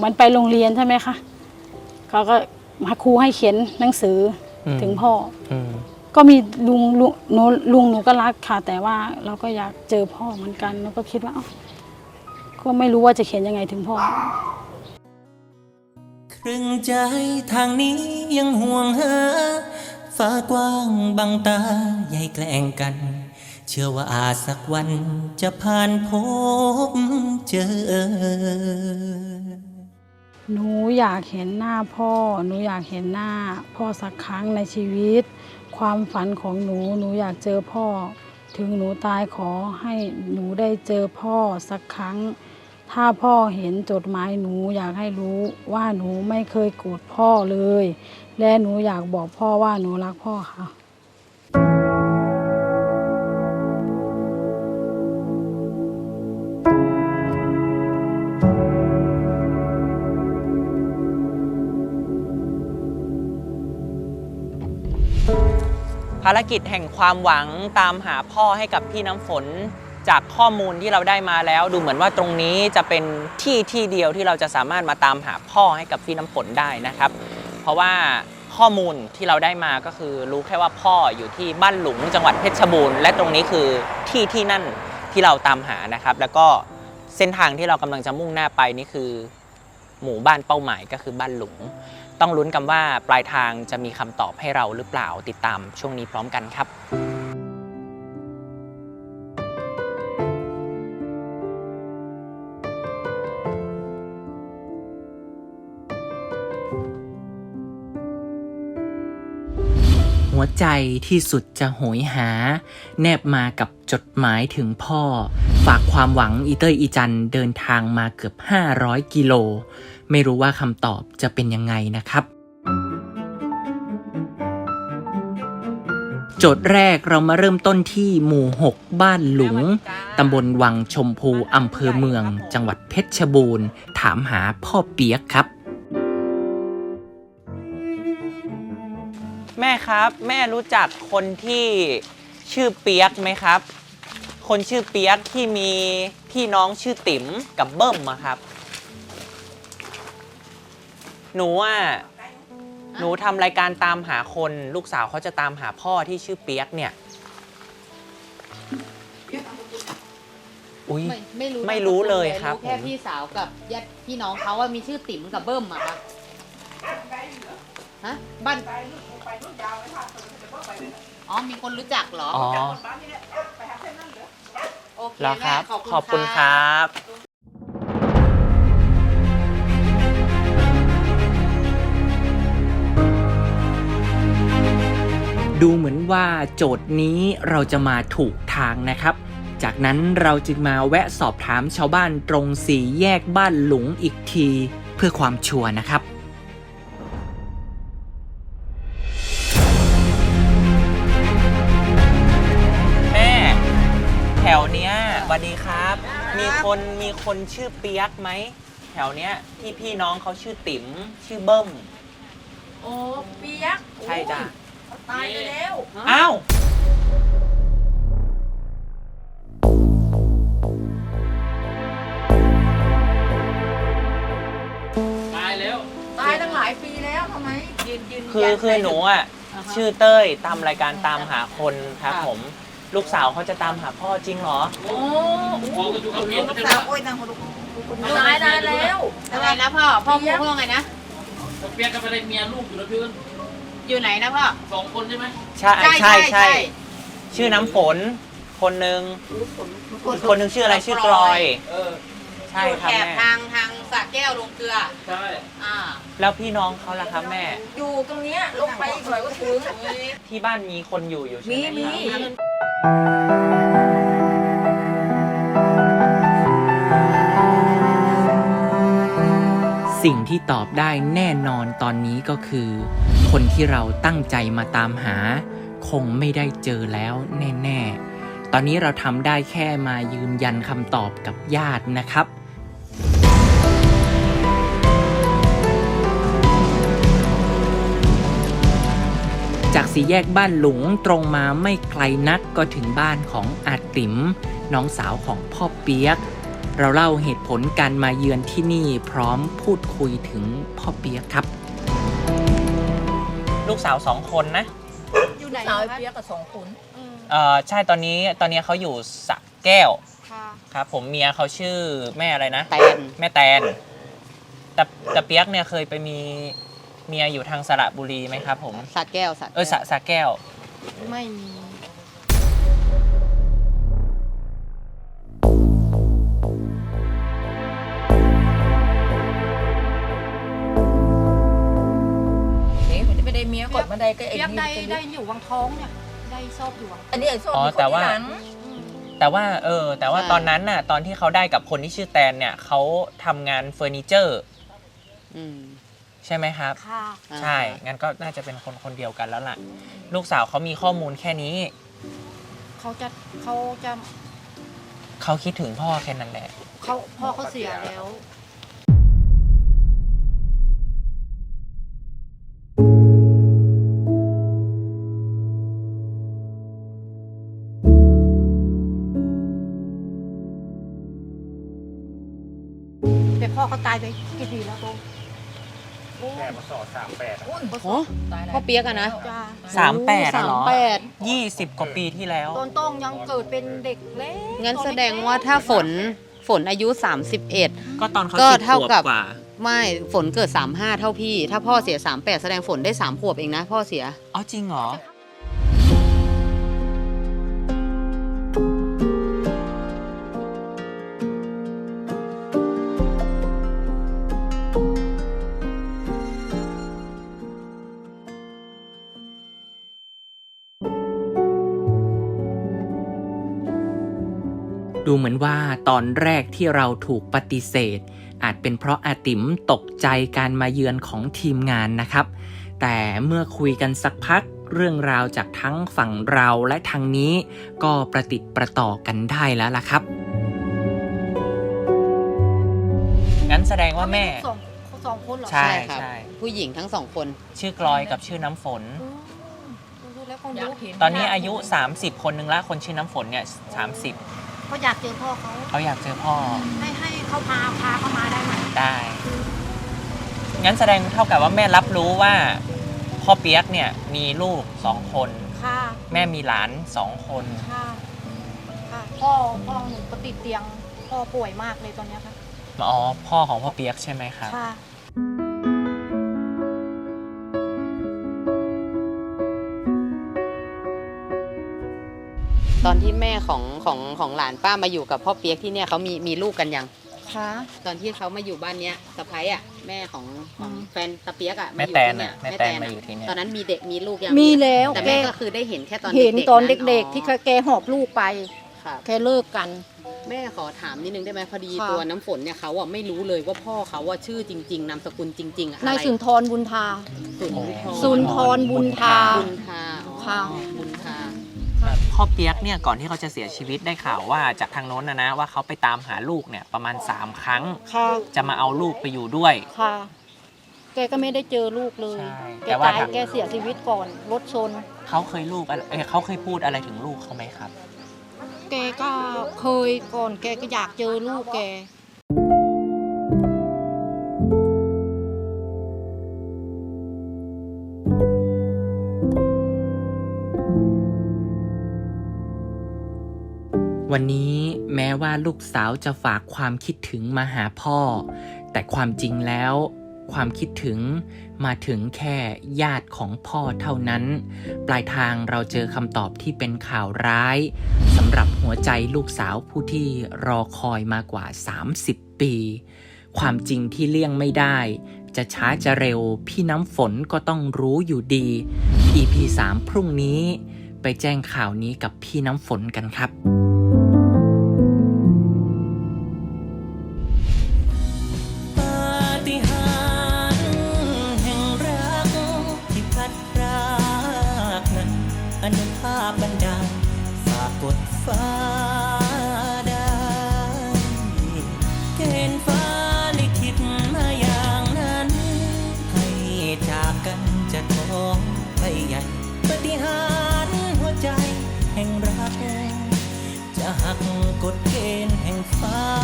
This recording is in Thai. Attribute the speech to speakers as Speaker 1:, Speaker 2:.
Speaker 1: มันไปโรงเรียนใช่ไหมคะเขาก็มาครูให้เขียนหนังสือถึงพ่อก็มีลุงหนูก็รักค่ะแต่ว่าเราก็อยากเจอพ่อเหมือนกันเราก็คิดว่าก็ไม่รู้ว่าจะเขียนยังไงถึงพ่อ
Speaker 2: ครึ่งใจทางนี้ยังห่วงหาฟ้ากว้างบังตาใหญ่แกล้งกันเชื่อว่าอาจสักวันจะผ่านพบเจอ
Speaker 1: หนูอยากเห็นหน้าพ่อหนูอยากเห็นหน้าพ่อสักครั้งในชีวิตความฝันของหนูอยากเจอพ่อถึงหนูตายขอให้หนูได้เจอพ่อสักครั้งถ้าพ่อเห็นจดหมายหนูอยากให้รู้ว่าหนูไม่เคยโกรธพ่อเลยและหนูอยากบอกพ่อว่าหนูรักพ่อค่ะ
Speaker 3: ภารกิจแห่งความหวังตามหาพ่อให้กับพี่น้ำฝนจากข้อมูลที่เราได้มาแล้วดูเหมือนว่าตรงนี้จะเป็นที่เดียวที่เราจะสามารถมาตามหาพ่อให้กับพี่น้ำฝนได้นะครับเพราะว่าข้อมูลที่เราได้มาก็คือรู้แค่ว่าพ่ออยู่ที่บ้านหลุงจังหวัดเพชรบูรณ์และตรงนี้คือที่นั่นที่เราตามหานะครับแล้วก็เส้นทางที่เรากำลังจะมุ่งหน้าไปนี่คือหมู่บ้านเป้าหมายก็คือบ้านหลุงต้องลุ้นกันว่าปลายทางจะมีคำตอบให้เราหรือเปล่าติดตามช่วงนี้พร้อมกันครับหัวใจที่สุดจะโหยหาแนบมากับจดหมายถึงพ่อฝากความหวังอีเตอร์อีจันเดินทางมาเกือบ500 กิโลไม่รู้ว่าคำตอบจะเป็นยังไงนะครับโจทย์แรกเรามาเริ่มต้นที่หมู่ 6 บ้านหลุงตำบลวังชมพูอำเภอเมืองจังหวัดเพชรบูรณ์ถามหาพ่อเปียกครับแม่ครับแม่รู้จักคนที่ชื่อเปียกไหมครับคนชื่อเปียกที่มีพี่น้องชื่อติ๋มกับเบิ้มอะครับหนูทำรายการตามหาคนลูกสาวเขาจะตามหาพ่อที่ชื่อเปียกเนี่ยอุ้ยไม่รู้เลยครับ
Speaker 4: แค่พี่สาวกับญาติพี่น้องเขาว่ามีชื่อติ๋มกับเบิ้มอะครับฮะบ้านอ๋อมีคนรู้จักเหรอ
Speaker 3: อ๋อ
Speaker 4: โอเค
Speaker 3: แล้วครับ
Speaker 4: แม่
Speaker 3: ขอบคุณครับดูเหมือนว่าโจทย์นี้เราจะมาถูกทางนะครับจากนั้นเราจึงมาแวะสอบถามชาวบ้านตรง4 แยกบ้านหลุงอีกทีเพื่อความชัวร์นะครับแม่แถวเนี้ยสวัสดีครับมีคนชื่อเปียกไหมแถวเนี้ยที่พี่น้องเขาชื่อติ๋มชื่อเบิ้ม
Speaker 5: โอ้เปียก
Speaker 3: ใช่จ้ะ
Speaker 5: ตายไปแล้ว
Speaker 3: อ้าว
Speaker 5: ตายแล้วตายตั้งหลายปีแล้วทำไมยืน
Speaker 3: คือหนูอ่ะชื่อเต้ยตามรายการตามหาคนครับผมลูกสาวเขาจะตามหาพ่อจริงเหรอ
Speaker 5: โอ้ลูกสาวโอ้ยนางคนตายนานแล้ว
Speaker 4: อะไรนะพ่อพูดว่าไงนะ
Speaker 5: เปียกกับอะไรเมียลูกอยู่นะพี่อ้น
Speaker 4: อยู่ไหนนะพ่อ
Speaker 5: 2 คนใช่ไหม
Speaker 3: ใช่ชื่อน้ำฝนคนหนึ่งชื่ออะไรชื่อกลอยใช่ครับแม่
Speaker 4: ทางสระแก้วลงเกลือ
Speaker 5: ใช่
Speaker 3: แล้วพี่น้องเขาล่ะครับแม่
Speaker 5: อยู่ตรงเนี้ยลงไปอีกหน่อยก็ถึง
Speaker 3: ที่บ้านมีคนอยู่ใช่ไหม
Speaker 5: มี
Speaker 3: สิ่งที่ตอบได้แน่นอนตอนนี้ก็คือคนที่เราตั้งใจมาตามหาคงไม่ได้เจอแล้วแน่ๆตอนนี้เราทำได้แค่มายืนยันคำตอบกับญาตินะครับจาก4 แยกบ้านหลุงตรงมาไม่ไกลนักก็ถึงบ้านของอาติ๋มน้องสาวของพ่อเปียก
Speaker 2: เราเล่าเหตุผลการมาเยือนที่นี่พร้อมพูดคุยถึงพ่อเปียกครับ
Speaker 3: ลูกสาว2 คนนะ
Speaker 5: อยู่ไหนสาวเปียกกับ2 คน
Speaker 3: ใช่ตอนนี้เขาอยู่สระแก้ว
Speaker 5: ค่ะ
Speaker 3: ครับผมเมียเขาชื่อแม่อะไรนะ
Speaker 4: แตน
Speaker 3: แม่แตนแต่เปียกเนี่ยเคยไปมีเมียอยู่ทางสระบุรีไหมครับผม
Speaker 4: สระแก้ว
Speaker 3: สระแก้ว
Speaker 5: ไม่มี
Speaker 6: มันจะไม่ได้เมียกดมาได้ก็ไอ้
Speaker 5: เปียก
Speaker 6: นี่
Speaker 5: ได้อยู่วังท้องเนี่ยได้ชอบอยู่วัง
Speaker 6: อันนี้ไอ้ส้ม
Speaker 3: อ๋อ
Speaker 6: มีคน
Speaker 3: แต่ว่า
Speaker 6: ที่หลัง
Speaker 3: แต่ว่าตอนนั้นน่ะตอนที่เขาได้กับคนที่ชื่อแตนเนี่ยเขาทำงานเฟอร์นิเจอร์
Speaker 4: อืม
Speaker 3: ใช่ไหมครับ
Speaker 5: ค่ะ
Speaker 3: ใช่ งั้นก็น่าจะเป็นคนเดียวกันแล้วล่ะ ลูกสาวเขามีข้อมูลแค่นี้
Speaker 5: เขาจะ
Speaker 3: เขาคิดถึงพ่อแค่นั้นแหละ
Speaker 5: พ่อเขาเสียแล้ว แต่พ่อเขาตายไปกี่ปีแล้วโต
Speaker 6: อุ้ย
Speaker 4: โอ้พ่อเปียกอะนะ
Speaker 5: จ้า
Speaker 3: 38อะเหรอ
Speaker 4: 38
Speaker 3: 20 กว่าปีที่แล้ว
Speaker 5: ตอนต้องยังเกิดเป็นเด็กเล็ก
Speaker 4: งั้นแสดงว่าถ้าฝนอายุ 31
Speaker 3: ก็ตอนเขา
Speaker 4: ก็
Speaker 3: 10
Speaker 4: เท่า
Speaker 3: ขวบ
Speaker 4: กับ
Speaker 3: กว่า
Speaker 4: ไม่ฝนเกิด 35 เท่าพี่ ถ้าพ่อเสีย 38 แสดงฝนได้ 3 ขวบเองนะ พ่อเสีย
Speaker 3: อ๋อจริงเหรอ ดูเหมือนว่าตอนแรกที่เราถูกปฏิเสธ อาจเป็นเพราะอาติ๋มตกใจการมาเยือนของทีมงานนะครับ แต่เมื่อคุยกันสักพักเรื่องราวจากทั้งฝั่งเราและทางนี้ก็ประติดประต่อกันได้แล้วล่ะครับ งั้นแสดงว่าแม่
Speaker 5: สองคนเหรอ
Speaker 3: ใช่
Speaker 4: ครับ ผู้หญิงทั้ง 2 คน
Speaker 3: ชื่อกลอยกับชื่อน้ำฝน
Speaker 5: ดูแล้วคง
Speaker 6: อยา
Speaker 5: รู้
Speaker 6: กเห็น
Speaker 3: ตอนนี้อายุ 30 คนนึงละคนชื่อน้ำฝนเนี่ย30
Speaker 5: เขาอยากเจอพ่อเขา
Speaker 3: เขาอยากเจอพ่อ
Speaker 5: ให้เขาพาเขามาได้ไหม
Speaker 3: ได้ งั้นแสดงเท่ากับว่าแม่รับรู้ว่าพ่อเปียกเนี่ยมีลูก2 คน
Speaker 5: ค่ะ
Speaker 3: แม่มีหลาน 2 คน
Speaker 5: ค่ะค่ะพ่อหนูก็ติดเตียงพ่อป่วยมากเลยตอนเนี้ยค่ะ
Speaker 3: อ๋อพ่อของพ่อเปียกใช่ไหมครับ
Speaker 5: ค่ะ
Speaker 4: ตอนที่แม่ของหลานป้ามาอยู่กับพ่อเปียกที่เนี่ยเขามีลูกกันยัง
Speaker 5: ค่ะ
Speaker 4: ตอนที่เขามาอยู่บ้านเนี้ยสะพ้ายอ่ะแม่ของแฟนตะเปียกอ่ะ
Speaker 3: แม่
Speaker 4: อยู่
Speaker 3: แตน
Speaker 4: ที่เนี่ย
Speaker 3: น่ะแม่แตนมาอยู่ที่เนี่ย
Speaker 4: ตอนนั้นมีเด็กมีลูกยัง
Speaker 7: มีแล้ว
Speaker 4: แต่
Speaker 7: แก
Speaker 4: แม่ก็คือได้เห็นแค่ตอน
Speaker 7: เห็น
Speaker 4: ๆ
Speaker 7: ตอน
Speaker 4: นั้น
Speaker 7: เด็กๆ ที่แกหอบลูกไป
Speaker 4: ครับ
Speaker 7: แกเลิกกัน
Speaker 4: แม่ขอถามนิดนึงได้ไหมพอดี
Speaker 7: ค่ะ
Speaker 4: ตัวน้ำฝนเนี่ยเขาอ่ะไม่รู้เลยว่าพ่อเขาอ่ะชื่อจริง ๆนามสกุลจริงๆอะอะไร
Speaker 7: นายสุนทรบุญทา
Speaker 4: สุนทร
Speaker 7: สุนทรบุญทา
Speaker 4: บุญทาอ๋อ
Speaker 7: ค่ะ
Speaker 4: บุญทา
Speaker 3: พ่อเปียกเนี่ยก่อนที่เขาจะเสียชีวิตได้ข่าวว่าจากทางโน้นนะว่าเขาไปตามหาลูกเนี่ยประมาณ3 ครั้ง
Speaker 7: ค่ะ
Speaker 3: จะมาเอาลูกไปอยู่ด้วย
Speaker 7: ค่ะ แกก็ไม่ได้เจอลูกเลย
Speaker 3: ใช่
Speaker 7: แก
Speaker 3: แต่ว่า
Speaker 7: ตายแกเสียชีวิตก่อน รถชน
Speaker 3: เขาเคยเขาเคยพูดอะไรถึงลูกเขาไหมครับ
Speaker 7: แกก็เคยก่อน แกก็อยากเจอลูกแก
Speaker 2: วันนี้แม้ว่าลูกสาวจะฝากความคิดถึงมาหาพ่อ แต่ความจริงแล้ว ความคิดถึงมาถึงแค่ญาติของพ่อเท่านั้น ปลายทางเราเจอคำตอบที่เป็นข่าวร้ายสำหรับหัวใจลูกสาวผู้ที่รอคอยมากว่า30 ปี ความจริงที่เลี่ยงไม่ได้ จะช้าจะเร็วพี่น้ำฝนก็ต้องรู้อยู่ดี EP 3 พรุ่งนี้ไปแจ้งข่าวนี้กับพี่น้ำฝนกันครับ
Speaker 8: ปาฏิหาริย์แห่งรักที่พัดพรากนั้นอนุภาพบันดาลฝากกดฟ้าได้เกณฑ์ฟ้าลิขิตมาอย่างนั้นให้จากกันจะท้องไปใหญ่ปาฏิหาริย์หัวใจแห่งรักจะหักกฎเกณฑ์แห่งฟ้า